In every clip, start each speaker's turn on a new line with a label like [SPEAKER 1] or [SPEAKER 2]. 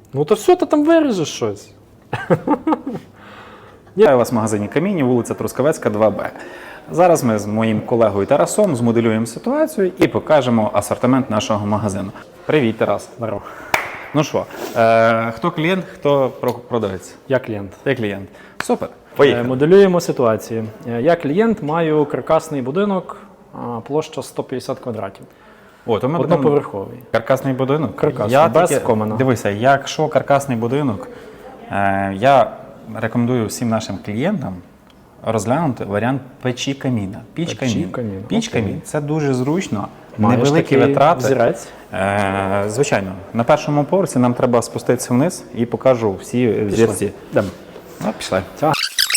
[SPEAKER 1] Ну то все, ти там виріжеш щось.
[SPEAKER 2] Я у вас в магазині Камінь, вулиця Трускавецька, 2Б. Зараз ми з моїм колегою Тарасом змоделюємо ситуацію і покажемо асортимент нашого магазину. Привіт, Тарас.
[SPEAKER 1] Здорово.
[SPEAKER 2] Ну що, хто клієнт, хто продавець?
[SPEAKER 1] Я клієнт.
[SPEAKER 2] Ти клієнт. Супер. Поїхали.
[SPEAKER 1] Моделюємо ситуацію. Я клієнт, маю каркасний будинок, площа 150 квадратів.
[SPEAKER 2] О, то ми
[SPEAKER 1] Одноповерховий.
[SPEAKER 2] Каркасний будинок?
[SPEAKER 1] Каркасний, без комина.
[SPEAKER 2] Дивися, якщо каркасний будинок, я рекомендую всім нашим клієнтам розглянути варіант печі каміна.
[SPEAKER 1] Піч-камін.
[SPEAKER 2] Піч-камін. Це дуже зручно,
[SPEAKER 1] Маєш
[SPEAKER 2] невеликі
[SPEAKER 1] такий
[SPEAKER 2] витрати.
[SPEAKER 1] взірець?
[SPEAKER 2] Звичайно. На першому поверсі нам треба спуститися вниз і покажу всі взірці.
[SPEAKER 1] Йдемо.
[SPEAKER 2] Ну, пішли.
[SPEAKER 1] Ця.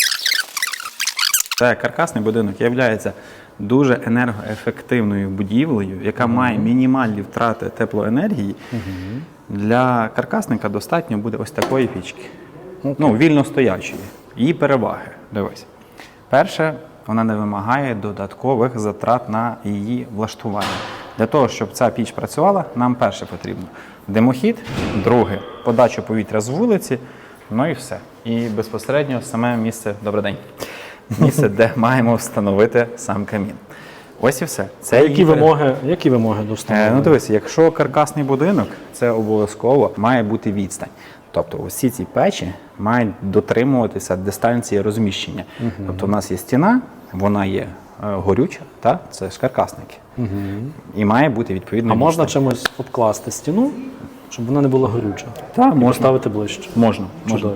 [SPEAKER 2] Це каркасний будинок є дуже енергоефективною будівлею, яка має мінімальні втрати теплоенергії. Для каркасника достатньо буде ось такої пічки. Ну, вільно стоячої. Її переваги. Дивись. Перше, вона не вимагає додаткових затрат на її влаштування. Для того, щоб ця піч працювала, нам перше потрібно димохід, друге – подача повітря з вулиці, ну і все. І безпосередньо саме місце, добрий день, місце, де маємо встановити сам камін. Ось і все. Це
[SPEAKER 1] Які вимоги до встановлення?
[SPEAKER 2] Ну дивись, якщо каркасний будинок, це обов'язково має бути відстань. Тобто усі ці печі мають дотримуватися дистанції розміщення. Тобто у нас є стіна, вона є горюча, це ж каркасники. І має бути відповідно.
[SPEAKER 1] А можна чимось обкласти стіну, щоб вона не була горюча?
[SPEAKER 2] Так, можна.
[SPEAKER 1] Поставити ближче?
[SPEAKER 2] Можна.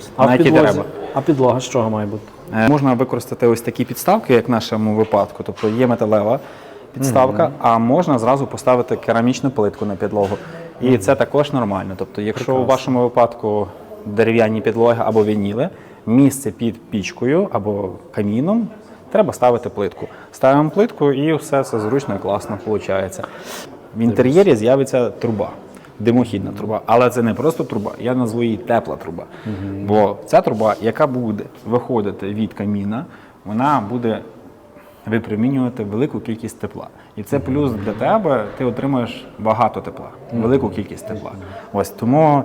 [SPEAKER 1] А підлога з чого має бути?
[SPEAKER 2] Можна використати ось такі підставки, як в нашому випадку. Тобто є металева підставка, а можна зразу поставити керамічну плитку на підлогу. І це також нормально. Тобто, якщо у вашому випадку дерев'яні підлоги або вініли, місце під пічкою або каміном, треба ставити плитку. Ставимо плитку і все це зручно і класно виходить. В інтер'єрі з'явиться труба, димохідна труба. Але це не просто труба, я назву її тепла труба. Бо ця труба, яка буде виходити від каміна, вона буде випромінювати велику кількість тепла. І це плюс для тебе, ти багато тепла, велику кількість тепла. Ось тому,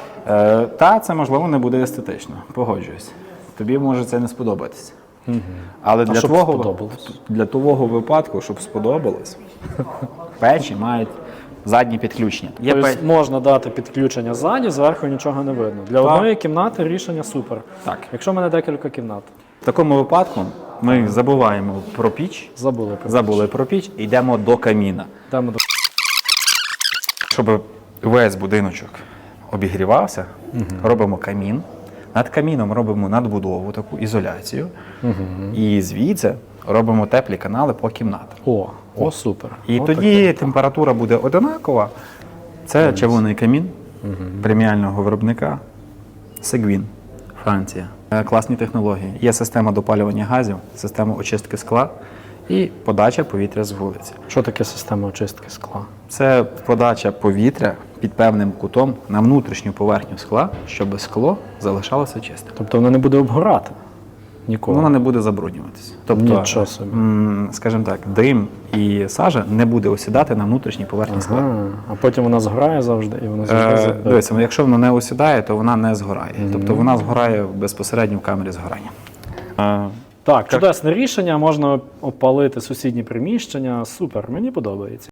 [SPEAKER 2] це можливо не буде естетично, погоджуюсь. Тобі може це не сподобатися. Але для твого випадку, щоб сподобалось, печі мають задні підключення.
[SPEAKER 1] Тобто можна дати підключення ззаді, зверху нічого не видно. Для одної кімнати рішення супер.
[SPEAKER 2] Так.
[SPEAKER 1] Якщо в мене декілька кімнат.
[SPEAKER 2] В такому випадку ми забуваємо про піч, забули про піч і йдемо до каміна. Щоб весь будиночок обігрівався, робимо камін. Над каміном робимо надбудову, таку ізоляцію. І звідси робимо теплі канали по кімнатах.
[SPEAKER 1] О, супер.
[SPEAKER 2] І тоді температура буде одинакова. Це червоний камін преміального виробника Seguin, Франція. Класні технології. Є система допалювання газів, система очистки скла і подача повітря з вулиці.
[SPEAKER 1] Що таке система очистки скла?
[SPEAKER 2] Це подача повітря під певним кутом на внутрішню поверхню скла, щоб скло залишалося чистим.
[SPEAKER 1] Тобто воно не буде обгорати? Ніколи?
[SPEAKER 2] Воно не буде забруднюватися. Тобто,
[SPEAKER 1] нічого собі.
[SPEAKER 2] Скажімо так, дим і сажа не буде осідати на внутрішній поверхні скла.
[SPEAKER 1] А потім вона згорає завжди і вона завжди
[SPEAKER 2] дивіться, якщо вона не осідає, то вона не згорає. Тобто вона згорає безпосередньо в камері згорання.
[SPEAKER 1] Так, чудесне рішення, можна опалити сусідні приміщення. Супер, мені подобається.